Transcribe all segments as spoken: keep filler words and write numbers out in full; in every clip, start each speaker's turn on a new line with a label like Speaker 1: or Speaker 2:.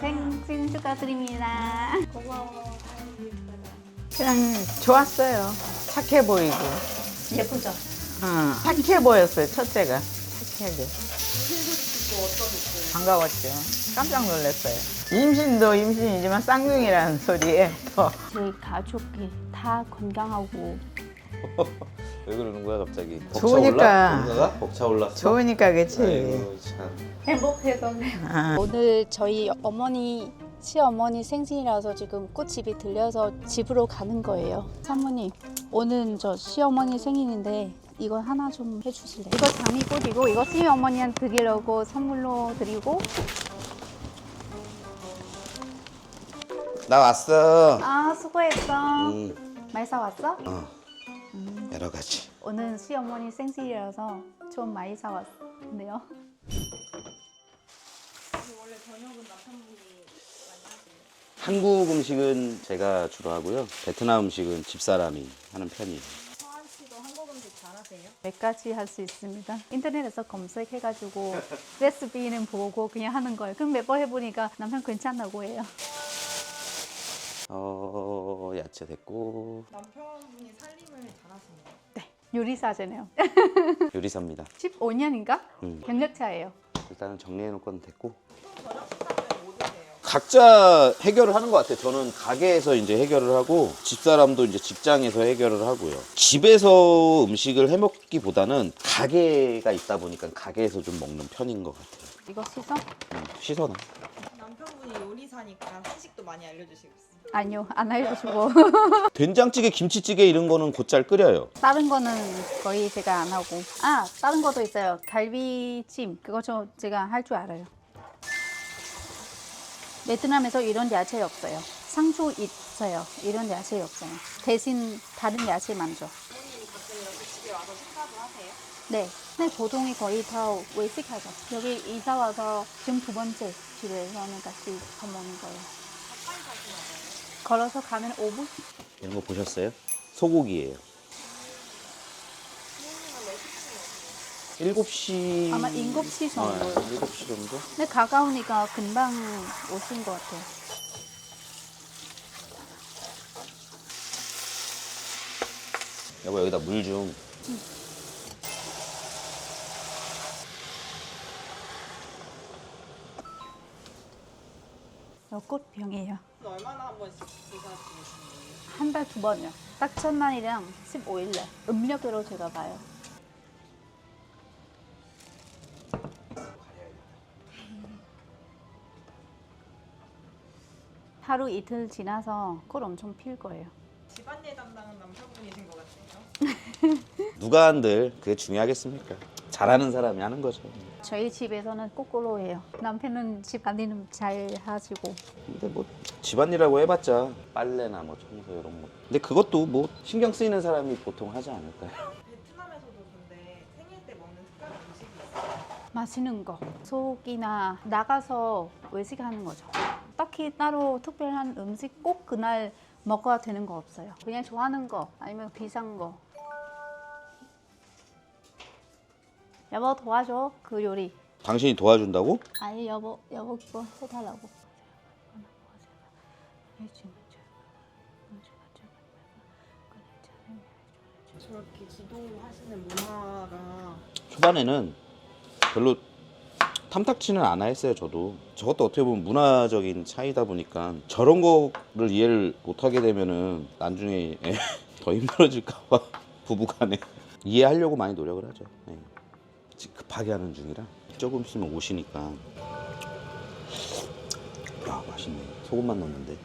Speaker 1: 생신 축하드립니다.
Speaker 2: 고마워.
Speaker 3: 그냥 좋았어요. 착해 보이고.
Speaker 1: 예쁘죠?
Speaker 3: 어, 착해 보였어요, 첫째가. 착하게. 반가웠죠. 깜짝 놀랐어요. 임신도 임신이지만 쌍둥이라는 소리에 더.
Speaker 1: 저희 가족이 다 건강하고
Speaker 4: 왜 그러는 거야 갑자기?
Speaker 3: 좋으니까.
Speaker 4: 뭔가가 벅차올랐어?
Speaker 3: 좋으니까 그치.
Speaker 4: 아이고 참.
Speaker 1: 행복해서.
Speaker 3: 아,
Speaker 2: 오늘 저희 어머니, 시어머니 생신이라서 지금 꽃집이 들려서 집으로 가는 거예요. 사모님, 오늘 저 시어머니 생일인데 이거 하나 좀 해주실래요?
Speaker 1: 이거 장미꽃이고 이거 시어머니한테 드리려고 선물로 드리고.
Speaker 4: 나 왔어.
Speaker 1: 아 수고했어.
Speaker 4: 음,
Speaker 1: 많이 사왔어?
Speaker 4: 어. 여러 가지.
Speaker 1: 오늘 시어머니 생신이라서 좀 많이 사왔는데요.
Speaker 4: 한국 음식은 제가 주로 하고요. 베트남 음식은 집사람이 하는 편이에요.
Speaker 1: 몇 가지 할 수 있습니다. 인터넷에서 검색해가지고 레시피는 보고 그냥 하는 거예요. 그럼 몇 번 해보니까 남편 괜찮다고 해요.
Speaker 4: 어, 야채 됐고
Speaker 5: 남편분이 살림을 잘하시네요.
Speaker 1: 네, 요리사잖아요.
Speaker 4: 요리사입니다.
Speaker 1: 십오 년인가?
Speaker 4: 음.
Speaker 1: 경력차예요.
Speaker 4: 일단은 정리해 놓을 건 됐고
Speaker 5: 저녁 식사는 뭐 드세요?
Speaker 4: 각자 해결을 하는 것 같아요. 저는 가게에서 이제 해결을 하고 집사람도 이제 직장에서 해결을 하고요. 집에서 음식을 해 먹기보다는 가게가 있다 보니까 가게에서 좀 먹는 편인 것 같아요.
Speaker 1: 이거 씻어?
Speaker 4: 음, 씻어놔.
Speaker 5: 남편분이 요리사니까 한식도 많이 알려주시겠어요?
Speaker 1: 아니요, 안 알려주고.
Speaker 4: 된장찌개, 김치찌개 이런 거는 곧잘 끓여요.
Speaker 1: 다른 거는 거의 제가 안 하고. 아, 다른 것도 있어요. 갈비찜. 그거 저 제가 할 줄 알아요. 베트남에서 이런 야채 없어요. 상추 있어요. 이런 야채 없어요. 대신 다른 야채만 줘.
Speaker 5: 부모님이 가끔 이렇게 집에 와서 식사도 하세요?
Speaker 1: 네. 근데 보통이 거의 다 외식하죠. 여기 이사 와서 지금 두 번째 집에서는 같이 밥 먹는 거예요.
Speaker 5: 가까이 사시나 봐요.
Speaker 1: 걸어서 가면 오 분?
Speaker 4: 이런 거 보셨어요? 소고기예요. 일곱 시
Speaker 1: 아마 일곱 시 정도.
Speaker 4: 어, 일곱 시 정도?
Speaker 1: 근데 가까우니까 금방 오신 것 같아요.
Speaker 4: 여보 여기다 물 좀.
Speaker 1: 이거 꽃병이에요.
Speaker 5: 얼마나 한 번씩 의사 지내시는 거예요?
Speaker 1: 한 달 두 번이요. 딱 첫날이랑 십오 일날. 음력으로 제가 봐요. 하루 이틀 지나서 꽃 엄청 필 거예요.
Speaker 5: 집안일 담당은 남편분이신 것 같아요.
Speaker 4: 누가 한들 그게 중요하겠습니까? 잘하는 사람이 하는 거죠.
Speaker 1: 저희 집에서는 거꾸로 해요. 남편은 집안일은 잘 하시고.
Speaker 4: 근데 뭐 집안일이라고 해봤자 빨래나 뭐 청소 이런 거. 근데 그것도 뭐 신경 쓰이는 사람이 보통 하지 않을까요?
Speaker 5: 베트남에서도 근데 생일 때 먹는 특별한 음식이 있어요.
Speaker 1: 맛있는 거. 속이나 나가서 외식하는 거죠. 딱히 따로 특별한 음식 꼭 그날 먹어야 되는 거 없어요. 그냥 좋아하는 거 아니면 비싼 거. 여보 도와줘 그 요리.
Speaker 4: 당신이 도와준다고?
Speaker 1: 아니 여보 여보 그거 해달라고.
Speaker 5: 저렇게 기도하시는 문화가
Speaker 4: 초반에는 별로 탐탁치는 않아 했어요. 저도 저것도 어떻게 보면 문화적인 차이다 보니까 저런 거를 이해를 못하게 되면은 나중에 더 힘들어질까봐 부부간에 이해하려고 많이 노력을 하죠. 네. 지금 급하게 하는 중이라 조금 있으면 오시니까. 야 맛있네. 소금만 넣었는데.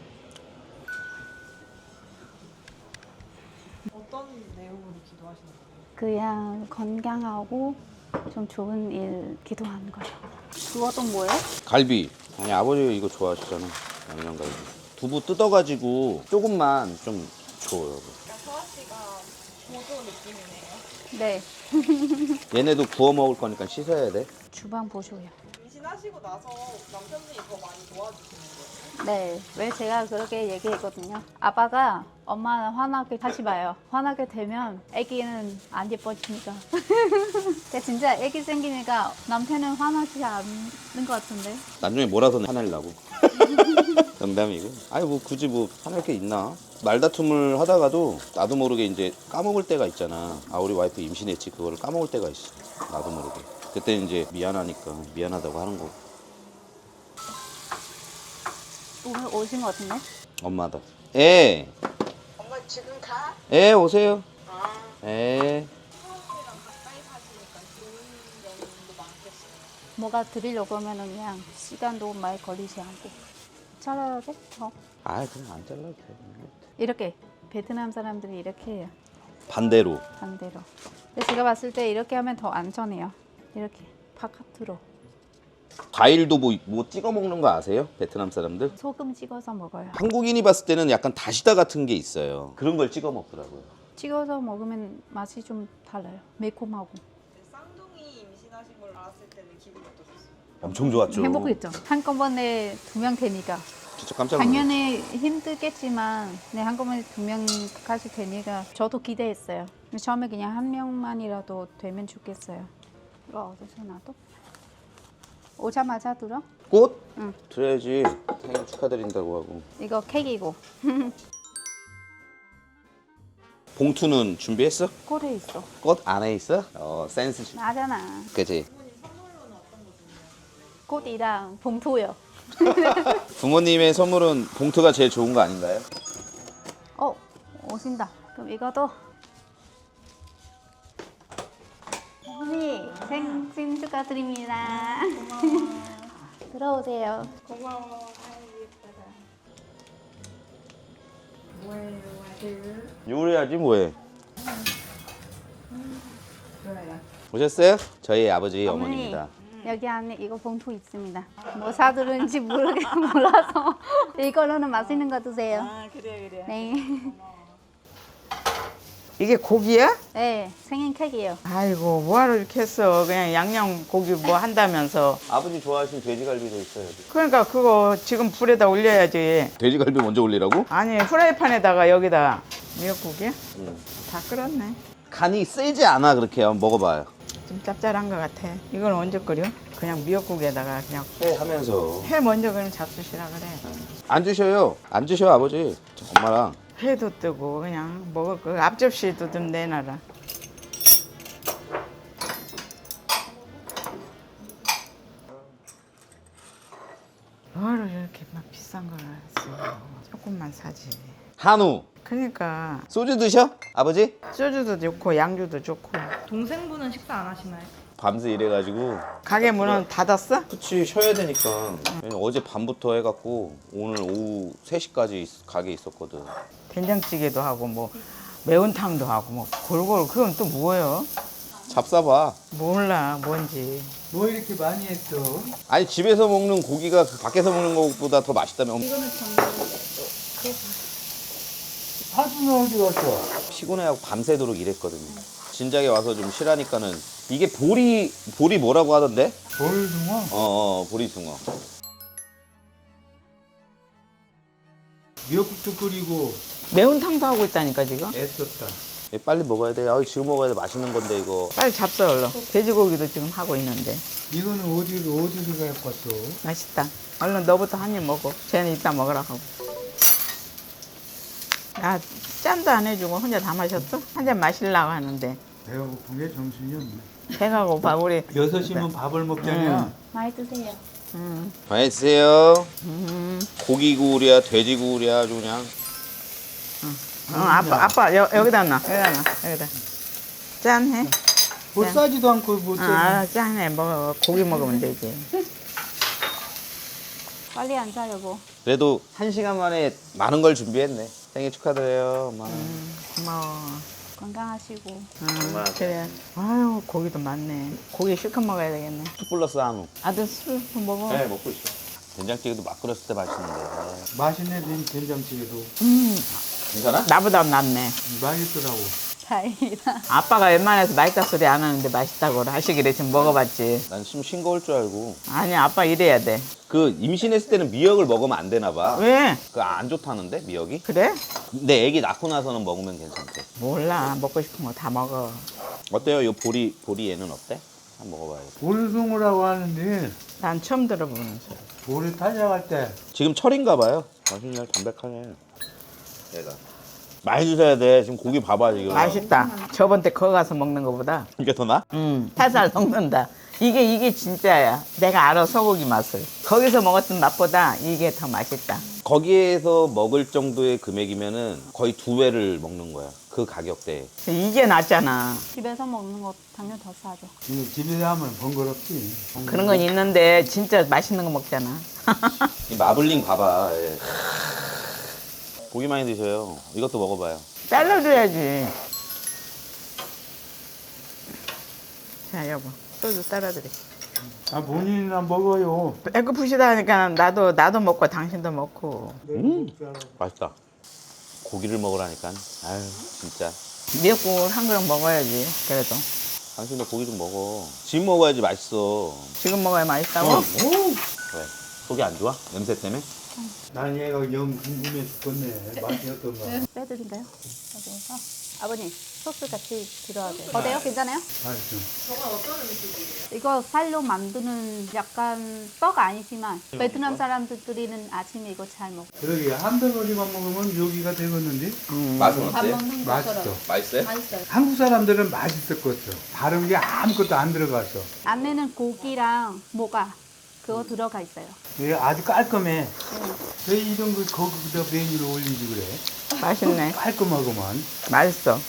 Speaker 5: 어떤 내용으로 기도하시는 거예요?
Speaker 1: 그냥 건강하고 좀 좋은 일 기도하는 거예요. 그것도 뭐예요?
Speaker 4: 갈비. 아니 아버지 이거 좋아하시잖아. 양념갈비. 두부 뜯어가지고 조금만 좀 줘요.
Speaker 5: 그러니까 서아 씨가 보조 느낌이네요.
Speaker 1: 네.
Speaker 4: 얘네도 구워 먹을 거니까 씻어야 돼.
Speaker 1: 주방 보셔요.
Speaker 5: 임신하시고 나서 남편분이 더 많이 도와주시는 거예요?
Speaker 1: 네, 왜 제가 그렇게 얘기했거든요. 아빠가 엄마 화나게 하지 마요. 화나게 되면 아기는 안 예뻐지니까. 근데 진짜 아기 생기니까 남편은 화나지 않는 것 같은데.
Speaker 4: 나중에 몰아서 화내려고. 농담이고. 아니 뭐 굳이 뭐 화낼 게 있나? 말다툼을 하다가도 나도 모르게 이제 까먹을 때가 있잖아. 아 우리 와이프 임신했지 그거를 까먹을 때가 있어. 나도 모르게. 그때 이제 미안하니까 미안하다고 하는 거고.
Speaker 1: 오늘 오신 것 같은데?
Speaker 4: 엄마다. 예.
Speaker 3: 엄마 지금 가?
Speaker 4: 예 오세요. 예.
Speaker 1: 뭐가 드리려고 하면은 그냥 시간도 많이 걸리지 않고. 잘라야 돼? 어.
Speaker 4: 아 그냥 안 잘라도 돼.
Speaker 1: 이렇게 베트남 사람들이 이렇게 해요.
Speaker 4: 반대로.
Speaker 1: 반대로. 근데 제가 봤을 때 이렇게 하면 더 안전해요. 이렇게 바깥으로.
Speaker 4: 과일도 뭐, 뭐 찍어 먹는 거 아세요? 베트남 사람들?
Speaker 1: 소금 찍어서 먹어요.
Speaker 4: 한국인이 봤을 때는 약간 다시다 같은 게 있어요. 그런 걸 찍어 먹더라고요.
Speaker 1: 찍어서 먹으면 맛이 좀 달라요. 매콤하고.
Speaker 5: 쌍둥이 임신하신 걸 알았을 때는 기분이 어떠셨어요?
Speaker 4: 엄청 좋았죠.
Speaker 1: 행복했죠. 한꺼번에 두 명 되니까.
Speaker 4: 진짜 깜짝 놀랐어요.
Speaker 1: 당연히 힘들겠지만 네, 한꺼번에 두 명까지 되니까 저도 기대했어요. 처음에 그냥 한 명만이라도 되면 좋겠어요. 이거 어디서 놔둬? 오자마자 들어?
Speaker 4: 꽃?
Speaker 1: 응.
Speaker 4: 드려야지. 생일 축하드린다고 하고.
Speaker 1: 이거 케이크이고
Speaker 4: 봉투는 준비했어?
Speaker 1: 꼴에 있어.
Speaker 4: 꽃 안에 있어? 어 센스. 주-
Speaker 1: 나잖아.
Speaker 4: 그치?
Speaker 1: 꽃이랑 봉투요.
Speaker 4: 부모님의 선물은 봉투가 제일 좋은 거 아닌가요?
Speaker 1: 어, 오신다. 그럼 이것도. 어머니, 생신 축하드립니다. 들어오세요.
Speaker 5: 고마워. 아이 예쁘다. 뭐예요 아들?
Speaker 4: 요리하지 뭐해.
Speaker 5: 좋아요.
Speaker 4: 오셨어요? 저희 아버지
Speaker 1: 어머니.
Speaker 4: 어머니입니다.
Speaker 1: 여기 안에 이거 봉투 있습니다. 뭐 사들은지 모르겠 몰라서 이걸로는 맛있는 거 드세요.
Speaker 5: 아 그래 그래.
Speaker 1: 네,
Speaker 3: 이게 고기야?
Speaker 1: 네 생일 케이크예요.
Speaker 3: 아이고 뭐하러 이렇게 했어. 그냥 양념 고기 뭐 한다면서.
Speaker 4: 아버지 좋아하시는 돼지갈비도 있어요.
Speaker 3: 그러니까 그거 지금 불에다 올려야지.
Speaker 4: 돼지갈비 먼저 올리라고?
Speaker 3: 아니 프라이팬에다가 여기다 미역국이야?
Speaker 4: 응.
Speaker 3: 다 끓었네.
Speaker 4: 간이 세지 않아 그렇게 한번 먹어봐요.
Speaker 3: 좀 짭짤한 것 같아. 이건 언제 끓여? 그냥 미역국에다가 그냥
Speaker 4: 해 하면서.
Speaker 3: 회 먼저 그냥 잡수시라 그래.
Speaker 4: 안 주셔요. 안 주셔 아버지. 저 엄마랑.
Speaker 3: 회도 뜨고 그냥 먹을 거 앞접시도 좀 내놔라. 뭐로 이렇게 막 비싼 걸 써. 조금만 사지.
Speaker 4: 한우.
Speaker 3: 그러니까
Speaker 4: 소주 드셔? 아버지?
Speaker 3: 소주도 좋고 양주도 좋고.
Speaker 5: 동생분은 식사 안 하시나요?
Speaker 4: 밤새 일해가지고.
Speaker 3: 가게 문은 닫았어?
Speaker 4: 그치 쉬어야 되니까. 어제 밤부터 해갖고 오늘 오후 세 시까지 가게 있었거든.
Speaker 3: 된장찌개도 하고 뭐 매운탕도 하고 뭐 골고루. 그건 또 뭐예요?
Speaker 4: 잡숴봐.
Speaker 3: 몰라 뭔지.
Speaker 6: 뭐 이렇게 많이 했어?
Speaker 4: 아니 집에서 먹는 고기가 그 밖에서 먹는 것보다 더 맛있다며.
Speaker 6: 하준은 어디 갔어?
Speaker 4: 피곤해하고 밤새도록 일했거든요. 진작에 와서 좀 쉬라니까는 이게 보리 보리 뭐라고 하던데?
Speaker 6: 돌숭어?
Speaker 4: 어어 보리숭어.
Speaker 6: 미역국도 끓이고
Speaker 3: 매운탕도 하고 있다니까 지금.
Speaker 6: 애썼다.
Speaker 4: 얘 빨리 먹어야 돼. 아 지금 먹어야 돼. 맛있는 건데 이거.
Speaker 3: 빨리 잡숴 얼른. 돼지고기도 지금 하고 있는데.
Speaker 6: 이거는 어디로 어디로 갖고 왔어?
Speaker 3: 맛있다. 얼른 너부터 한 입 먹어. 쟤는 이따 먹으라 하고. 야, 짠도 안 해주고 혼자 다 마셨어? 한 잔 마시려고 하는데.
Speaker 6: 배가 고픈 게 정신이 없네.
Speaker 3: 배가 고파, 우리.
Speaker 6: 여섯 시면 밥을 먹자냐?
Speaker 1: 많이 드세요.
Speaker 3: 음,
Speaker 4: 맛있어요.
Speaker 3: 음.
Speaker 4: 고기 구울이야 돼지 구울이야 아주 그냥.
Speaker 3: 어, 아빠, 아빠, 여, 여기다 놔. 여기다 놔. 여기다. 짠해.
Speaker 6: 뭐 싸지도 않고 뭐 또.
Speaker 3: 아, 짠해. 먹어. 고기 먹으면 되지.
Speaker 1: 빨리 앉아 여보.
Speaker 4: 그래도 한 시간 만에 많은 걸 준비했네. 생일 축하드려요 엄마.
Speaker 3: 음, 고마워.
Speaker 1: 건강하시고.
Speaker 3: 음, 그래. 아유, 고기도 많네. 고기 실컷 먹어야 되겠네.
Speaker 4: 술 플러스 한우.
Speaker 3: 아들 술 먹어.
Speaker 4: 네 먹고 있어. 된장찌개도 막 끓였을 때 맛있는데.
Speaker 6: 맛있네 된- 된장찌개도.
Speaker 3: 음,
Speaker 4: 괜찮아?
Speaker 3: 나보다 낫네.
Speaker 6: 맛있더라고.
Speaker 1: 다행이다.
Speaker 3: 아빠가 웬만해서 맛있다 소리 안 하는데 맛있다고 하시길래 지금 먹어봤지.
Speaker 4: 난 좀 싱거울 줄 알고.
Speaker 3: 아니, 아빠 이래야 돼.
Speaker 4: 그 임신했을 때는 미역을 먹으면 안 되나 봐.
Speaker 3: 왜?
Speaker 4: 그 안 좋다는데 미역이?
Speaker 3: 그래?
Speaker 4: 근데 애기 낳고 나서는 먹으면 괜찮대.
Speaker 3: 몰라. 먹고 싶은 거 다 먹어.
Speaker 4: 어때요? 이 보리 보리 얘는 어때? 한번 먹어봐야겠다.
Speaker 6: 보르송어라고 하는데
Speaker 3: 난 처음 들어보는 소리.
Speaker 6: 보르 타작할 때
Speaker 4: 지금 철인가 봐요. 맛있네, 담백하네. 얘가 많이 드셔야 돼. 지금 고기 봐봐 지금.
Speaker 3: 맛있다. 저번 때 거기 가서 먹는 거보다.
Speaker 4: 이게 더 나?
Speaker 3: 음, 살살 녹는다. 이게 이게 진짜야. 내가 알아 소고기 맛을. 거기서 먹었던 맛보다 이게 더 맛있다.
Speaker 4: 거기에서 먹을 정도의 금액이면은 거의 두 배를 먹는 거야. 그 가격대에.
Speaker 3: 이게 낫잖아.
Speaker 2: 집에서 먹는 거 당연히 더 싸죠.
Speaker 6: 이거 집에서 하면 번거롭지.
Speaker 3: 그런 건 있는데 진짜 맛있는 거 먹잖아.
Speaker 4: 이 마블링 봐봐. 예. 고기 많이 드셔요. 이것도 먹어봐요.
Speaker 3: 잘라줘야지. 자 여보 소주 따라드려.
Speaker 6: 아 본인이나 먹어요.
Speaker 3: 배고프시다 하니까 나도 나도 먹고 당신도 먹고.
Speaker 4: 음, 맛있다. 고기를 먹으라니까. 아유 진짜.
Speaker 3: 미역국을 한 그릇 먹어야지. 그래도
Speaker 4: 당신도 고기 좀 먹어. 지금 먹어야지 맛있어.
Speaker 3: 지금 먹어야 맛있다고.
Speaker 4: 왜? 속이 안 좋아? 냄새 때문에?
Speaker 6: 난 얘가 영 궁금해 죽겠네. 맛이 어떤가.
Speaker 2: 빼드릴까요? 여기서 아버님 소스 같이 들어야 돼요. 어때요? 괜찮아요?
Speaker 6: 맛있어.
Speaker 5: 저건 어떤 음식이에요?
Speaker 2: 이거 쌀로 만드는 약간 떡 아니지만 베트남 사람들끼리는 아침에 이거 잘 먹어.
Speaker 6: 그러게 한 덩어리만 먹으면 묘기가 되겠는데?
Speaker 4: 맛은
Speaker 2: 밥
Speaker 4: 어때?
Speaker 2: 먹는
Speaker 6: 맛있어.
Speaker 2: 것처럼.
Speaker 4: 맛있어요?
Speaker 2: 맛있어요.
Speaker 6: 한국 사람들은 맛있었겠어. 다른 게 아무것도 안 들어갔어.
Speaker 2: 안에는 고기랑 뭐가 그거 들어가 있어요.
Speaker 6: 얘 아주 깔끔해. 왜 이런 걸 거기다 메뉴를 올리지 그래?
Speaker 3: 맛있네.
Speaker 6: 깔끔하고만.
Speaker 3: 맛있어.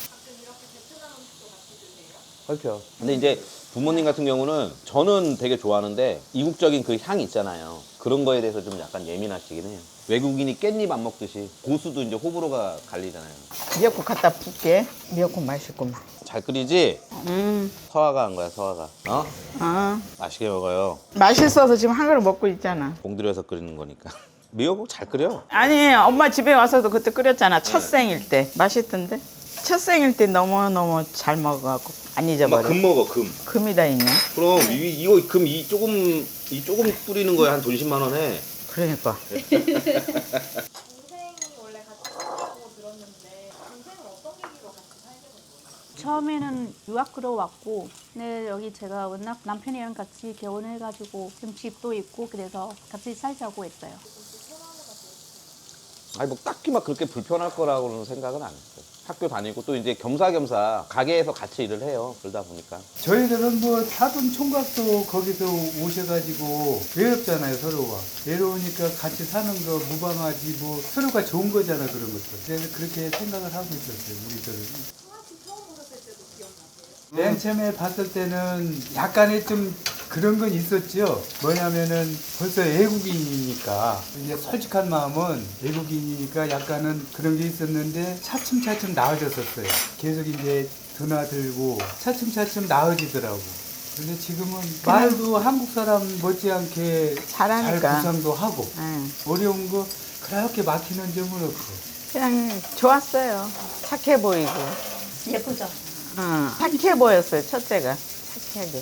Speaker 4: 그렇죠. 근데 이제 부모님 같은 경우는 저는 되게 좋아하는데 이국적인 그 향 있잖아요. 그런 거에 대해서 좀 약간 예민하시긴 해요. 외국인이 깻잎 안 먹듯이 고수도 이제 호불호가 갈리잖아요.
Speaker 3: 미역국 갖다 붓게. 미역국 맛있구만.
Speaker 4: 잘 끓이지?
Speaker 3: 음,
Speaker 4: 서화가 한 거야, 서화가. 어?
Speaker 3: 어.
Speaker 4: 맛있게 먹어요.
Speaker 3: 맛있어서 지금 한 그릇 먹고 있잖아.
Speaker 4: 공들여서 끓이는 거니까. 미역국 잘 끓여.
Speaker 3: 아니 엄마 집에 와서도 그때 끓였잖아. 첫 생일 때 맛있던데. 첫 생일 때 너무 너무 잘 먹어갖고 안
Speaker 4: 엄마
Speaker 3: 잊어버려.
Speaker 4: 금 먹어, 금.
Speaker 3: 금이 다 있냐?
Speaker 4: 그럼 이, 이거 금 이 조금 이 조금 뿌리는 거에 한 돈 십만 원 해.
Speaker 3: 그러니까.
Speaker 5: 동생이 원래 같이 살자고 들었는데 동생은 어떤 계기로 같이 살게 된 거예요?
Speaker 2: 처음에는 유학으로 왔고, 근데 여기 제가 워낙 남편이랑 같이 결혼해가지고 지금 집도 있고 그래서 같이 살자고 했어요.
Speaker 4: 아니 뭐 딱히 막 그렇게 불편할 거라고는 생각은 안 했어요. 학교 다니고 또 이제 겸사겸사 가게에서 같이 일을 해요. 그러다 보니까.
Speaker 6: 저희들은 뭐 사돈 총각도 거기서 오셔가지고 외롭잖아요 서로가. 외로우니까 같이 사는 거 무방하지 뭐 서로가 좋은 거잖아 그런 것들. 그래서 그렇게 생각을 하고 있었어요 우리들은. 맨 처음에 봤을 때는 약간의 좀 그런 건 있었죠. 뭐냐면은 벌써 외국인이니까 이제 솔직한 마음은 외국인이니까 약간은 그런 게 있었는데 차츰차츰 나아졌었어요. 계속 이제 드나들고 차츰차츰 나아지더라고. 근데 지금은 말도 한국 사람 못지않게
Speaker 3: 잘하니까.
Speaker 6: 잘 구상도 하고
Speaker 3: 응.
Speaker 6: 어려운 거 그렇게 막히는 점은 없고.
Speaker 3: 그냥 좋았어요. 착해 보이고.
Speaker 2: 예쁘죠?
Speaker 3: 응. 착해 보였어요. 첫째가 착하게.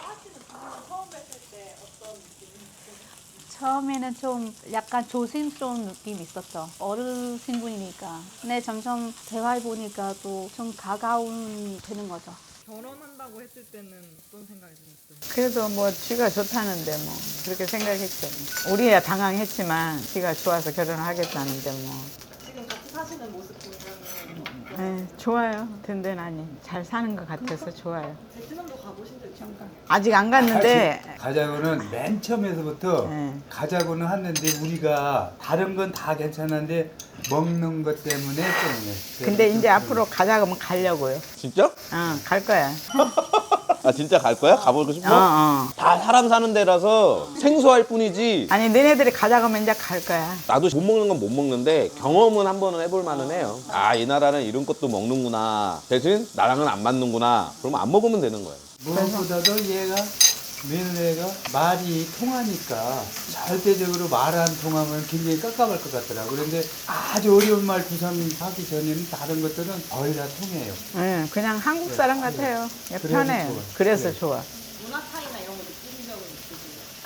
Speaker 2: 처음에는 좀 약간 조심스러운 느낌이 있었죠. 어르신분이니까. 근데 점점 대화해 보니까 또 좀 가까운 되는 거죠.
Speaker 5: 결혼한다고 했을 때는 어떤 생각이 드셨어요?
Speaker 3: 그래도 뭐 쥐가 좋다는데 뭐 그렇게 생각했죠. 우리야 당황했지만 쥐가 좋아서 결혼을 하겠다는데 뭐.
Speaker 5: 지금 같이 사시는 모습 보면은
Speaker 3: 네, 좋아요. 든든하니 잘 사는 것 같아서 좋아요.
Speaker 5: 베트남도 가보신 적 있으신가요?
Speaker 3: 아직 안 갔는데
Speaker 6: 가자고는 맨 처음에서부터
Speaker 3: 네.
Speaker 6: 가자고는 했는데 우리가 다른 건 다 괜찮은데 먹는 것 때문에 좀.
Speaker 3: 근데 이제 앞으로 가자 그러면 가려고요.
Speaker 4: 진짜?
Speaker 3: 응, 갈 거야.
Speaker 4: 아 진짜 갈 거야? 가보고 싶어?
Speaker 3: 어, 어.
Speaker 4: 다 사람 사는 데라서 생소할 뿐이지.
Speaker 3: 아니 너네들이 가자 그러면 이제 갈 거야.
Speaker 4: 나도 못 먹는 건 못 먹는데 경험은 한 번은 해볼 만은 해요. 아 이 나라는 이런 것도 먹는구나. 대신 나랑은 안 맞는구나. 그러면 안 먹으면 되는 거예요.
Speaker 6: 무엇보다도 얘가 며느리가 말이 통하니까 절대적으로 말 안 통하면 굉장히 깝깝할 것 같더라고. 그런데 아주 어려운 말 구상하기 전에는 다른 것들은 거의 다 통해요.
Speaker 3: 응, 그냥 한국 사람 같아요.
Speaker 6: 그래서
Speaker 3: 편해요.
Speaker 6: 좋아.
Speaker 3: 그래서
Speaker 6: 그래.
Speaker 3: 좋아.
Speaker 5: 문화 차이나 이런 거 느끼신 적은 있으세요?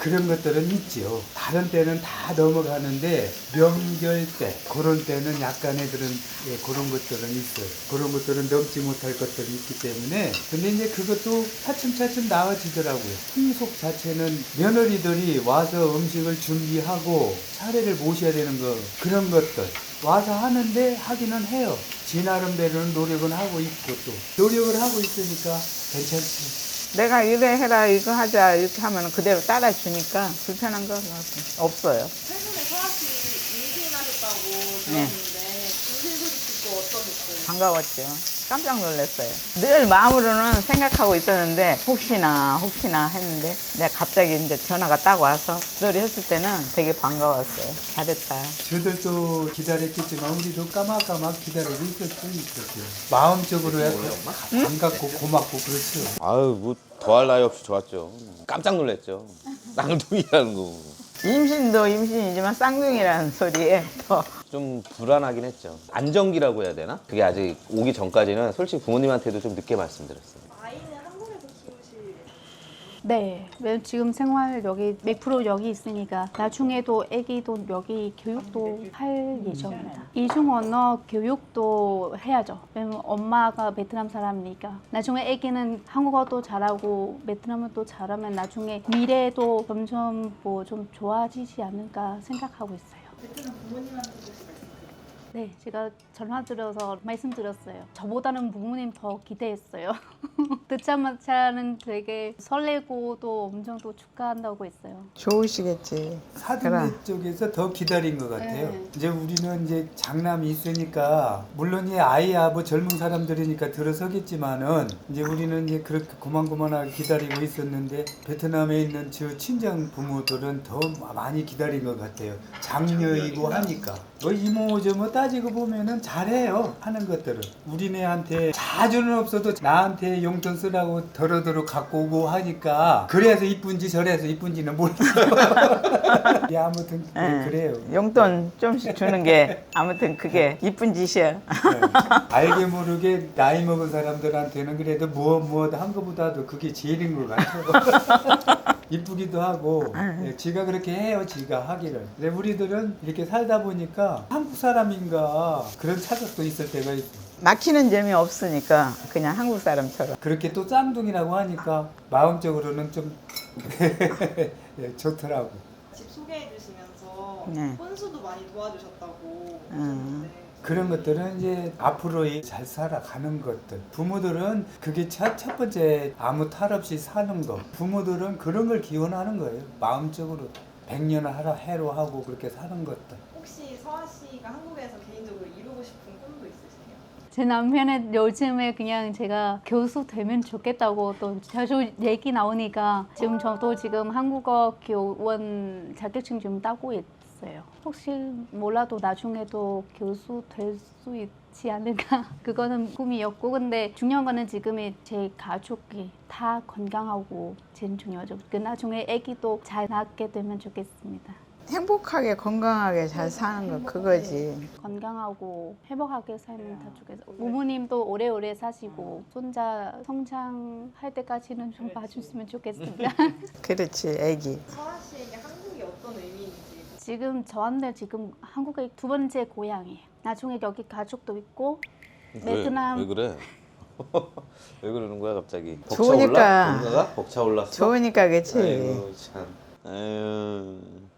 Speaker 6: 그런 것들은 있지요. 다른 때는 다 넘어가는데 명절 때 그런 때는 약간의 그런 예, 그런 것들은 있어요. 그런 것들은 넘지 못할 것들이 있기 때문에 근데 이제 그것도 차츰차츰 나아지더라고요. 풍속 자체는 며느리들이 와서 음식을 준비하고 차례를 모셔야 되는 거 그런 것들 와서 하는데 하기는 해요. 지 나름대로는 노력은 하고 있고 또 노력을 하고 있으니까 괜찮지.
Speaker 3: 내가 이래 해라 이거 하자 이렇게 하면 그대로 따라주니까 불편한 거 없어요.
Speaker 5: 최근에 서아 씨 임신하셨다고
Speaker 3: 네.
Speaker 5: 들었는데 임신 소식 듣고 어떠셨어요?
Speaker 3: 반가웠죠. 깜짝 놀랐어요. 늘 마음으로는 생각하고 있었는데 혹시나 혹시나 했는데 내가 갑자기 이제 전화가 딱 와서 그걸 했을 때는 되게 반가웠어요. 잘했다.
Speaker 6: 저들도 기다렸겠지만 우리도 까막까막 기다리고 있었죠. 있었죠. 마음적으로 약간 반갑고 고맙고 그렇죠.
Speaker 4: 아유 뭐 더할 나위 없이 좋았죠. 깜짝 놀랐죠. 쌍둥이라는 거.
Speaker 3: 임신도 임신이지만 쌍둥이라는 소리에 더
Speaker 4: 좀 불안하긴 했죠. 안정기라고 해야 되나? 그게 아직 오기 전까지는 솔직히 부모님한테도 좀 늦게 말씀드렸어요.
Speaker 5: 아이는 한국에서 키우실
Speaker 1: 네, 왜 지금 생활 여기 백 퍼센트 여기 있으니까 나중에도 아기도 여기 교육도 할 예정입니다. 이중 언어 교육도 해야죠. 왜냐면 엄마가 베트남 사람이니까 나중에 아기는 한국어도 잘하고 베트남어도 잘하면 나중에 미래도 점점 뭐 좀 좋아지지 않을까 생각하고 있어요.
Speaker 5: 베트남 부모님한테 혹시 말씀
Speaker 1: 네, 제가 전화 드려서 말씀드렸어요. 저보다는 부모님 더 기대했어요. 듣자마자는 되게 설레고 또 엄청 또 축하한다고 했어요.
Speaker 3: 좋으시겠지.
Speaker 6: 사돈네
Speaker 3: 그래.
Speaker 6: 쪽에서 더 기다린 것 같아요.
Speaker 1: 네.
Speaker 6: 이제 우리는 이제 장남이 있으니까 물론 이 아이야 뭐 젊은 사람들이니까 들어서겠지만은 이제 우리는 이제 그렇게 고만고만하게 기다리고 있었는데 베트남에 있는 저 친정 부모들은 더 많이 기다린 것 같아요. 장녀이고 하니까 뭐 이모 저모 따지고 보면은 잘해요 하는 것들은 우리네한테 자주는 없어도 나한테 용돈 쓰라고 더러더러 갖고 오고 하니까 그래서 이쁜지 저래서 이쁜지는 몰라요. 예, 아무튼
Speaker 3: 예.
Speaker 6: 그래요.
Speaker 3: 용돈 좀씩 주는 게 아무튼 그게 이쁜 짓이야.
Speaker 6: 네. 알게 모르게 나이 먹은 사람들한테는 그래도 무엇 무엇 한 것보다도 그게 제일인 것 같아요. 이쁘기도 하고 예, 지가 그렇게 해요. 지가 하기를. 근데 우리들은 이렇게 살다 보니까 한국 사람인가 그런 착각도 있을 때가 있어.
Speaker 3: 막히는 점이 없으니까 그냥 한국 사람처럼.
Speaker 6: 그렇게 또 쌍둥이라고 하니까 마음적으로는 좀 예, 좋더라고.
Speaker 5: 집 소개해 주시면서
Speaker 3: 네.
Speaker 5: 혼수도 많이 도와주셨다고
Speaker 3: 음.
Speaker 5: 하셨는데
Speaker 6: 그런 것들은 이제 앞으로 잘 살아가는 것들. 부모들은 그게 첫, 첫 번째 아무 탈 없이 사는 거. 부모들은 그런 걸 기원하는 거예요. 마음적으로. 백년을 하라 해로 하고 그렇게 사는 것들.
Speaker 5: 혹시 서아 씨가 한국에서 개인적으로 이루고 싶은 꿈도 있으세요?
Speaker 1: 제 남편은 요즘에 그냥 제가 교수 되면 좋겠다고 또 자주 얘기 나오니까 지금 저도 지금 한국어 교원 자격증 좀 따고 있어요. 혹시 몰라도 나중에도 교수 될 수 있지 않을까? 그거는 꿈이었고 근데 중요한 거는 지금의 제 가족이 다 건강하고 제일 중요하죠. 그 나중에 아기도 잘 낳게 되면 좋겠습니다.
Speaker 3: 행복하게 건강하게 잘 사는 거 그거지.
Speaker 1: 건강하고 행복하게 살면 다 좋겠어요. 부모님도 오래오래 사시고 손자 성장할 때까지는 좀 봐주시면 좋겠습니다.
Speaker 3: 그렇지 애기.
Speaker 5: 서아 씨에게 한국이 어떤 의미인지
Speaker 1: 지금 저한테 지금 한국의 두 번째 고향이에요. 나중에 여기 가족도 있고 베트남
Speaker 4: 왜, 왜 그래? 왜 그러는 거야 갑자기?
Speaker 3: 좋으니까.
Speaker 4: 벅차올라? 벅차올랐어?
Speaker 3: 좋으니까 그치.
Speaker 4: 아이고 참. 아유.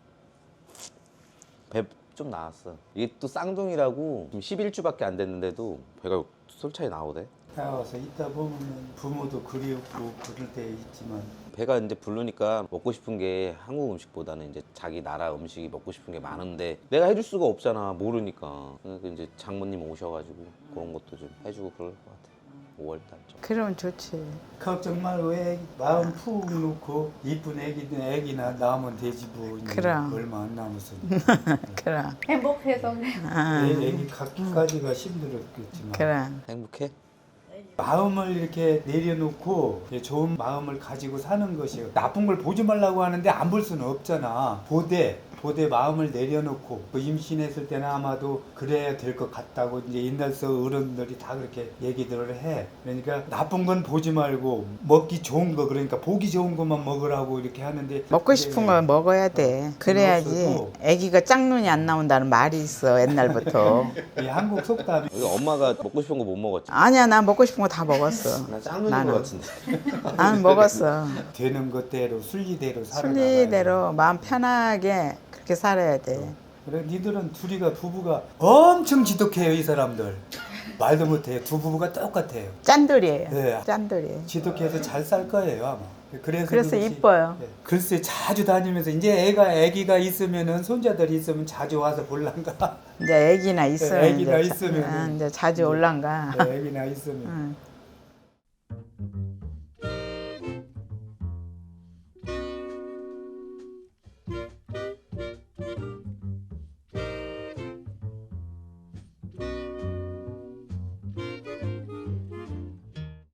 Speaker 4: 배 좀 나왔어. 이게 또 쌍둥이라고 지금 십일 주밖에 안 됐는데도 배가 솔차이 나오대.
Speaker 6: 나와서 있다 보면 부모도 그리웠고 그럴 때 있지만
Speaker 4: 배가 이제 부르니까 먹고 싶은 게 한국 음식보다는 이제 자기 나라 음식이 먹고 싶은 게 많은데 내가 해줄 수가 없잖아 모르니까. 그러니까 이제 장모님 오셔가지고 그런 것도 좀 해주고 그럴 것 같아. 오월 달쯤.
Speaker 3: 그러면 좋지.
Speaker 6: 걱정 말고 애 마음 푹 놓고 이쁜 애기든 애기나 낳으면 되지 뭐. 이제
Speaker 3: 그럼.
Speaker 6: 얼마 안 남았으니.
Speaker 3: 그럼.
Speaker 1: 행복해서
Speaker 3: 아,
Speaker 6: 애, 애기 갖기까지가 힘들었겠지만
Speaker 3: 그럼.
Speaker 4: 행복해?
Speaker 6: 마음을 이렇게 내려놓고 좋은 마음을 가지고 사는 것이요. 나쁜 걸 보지 말라고 하는데 안 볼 수는 없잖아. 보되 고대 마음을 내려놓고 그 임신했을 때는 아마도 그래야 될 것 같다고 이제 옛날서 어른들이 다 그렇게 얘기들을 해. 그러니까 나쁜 건 보지 말고 먹기 좋은 거, 그러니까 보기 좋은 것만 먹으라고 이렇게 하는데
Speaker 3: 먹고 싶은 걸 먹어야 돼. 그래야지
Speaker 6: 없어도
Speaker 3: 아기가 짝눈이 안 나온다는 말이 있어 옛날부터.
Speaker 6: 이 한국 속담이
Speaker 4: 우리 엄마가 먹고 싶은 거 못 먹었지.
Speaker 3: 아니야, 난 먹고 싶은 거 다 먹었어.
Speaker 4: 나 짱눈인
Speaker 3: 나는.
Speaker 4: 것 같은데.
Speaker 3: 나는 먹었어.
Speaker 6: 되는 것대로 순리대로 살아가.
Speaker 3: 순리대로 마음 편하게 그렇게 살아야 돼.
Speaker 6: 그래 니들은 둘이가 부부가 엄청 지독해요 이 사람들. 말도 못해요. 두 부부가 똑같아요.
Speaker 3: 짠돌이에요.
Speaker 6: 네.
Speaker 3: 짠돌이.
Speaker 6: 지독해서 잘 살 거예요 아마. 그래서
Speaker 3: 그래서
Speaker 6: 그렇지.
Speaker 3: 이뻐요.
Speaker 6: 네. 글쎄 자주 다니면서 이제 애가 애기가 있으면은 손자들이 있으면 자주 와서 볼란가.
Speaker 3: 이제 애기나 있으면
Speaker 6: 네, 애기나
Speaker 3: 이제, 자-
Speaker 6: 있으면은.
Speaker 3: 아, 이제 자주 올란가.
Speaker 6: 네, 애기나 있으면.
Speaker 3: 응.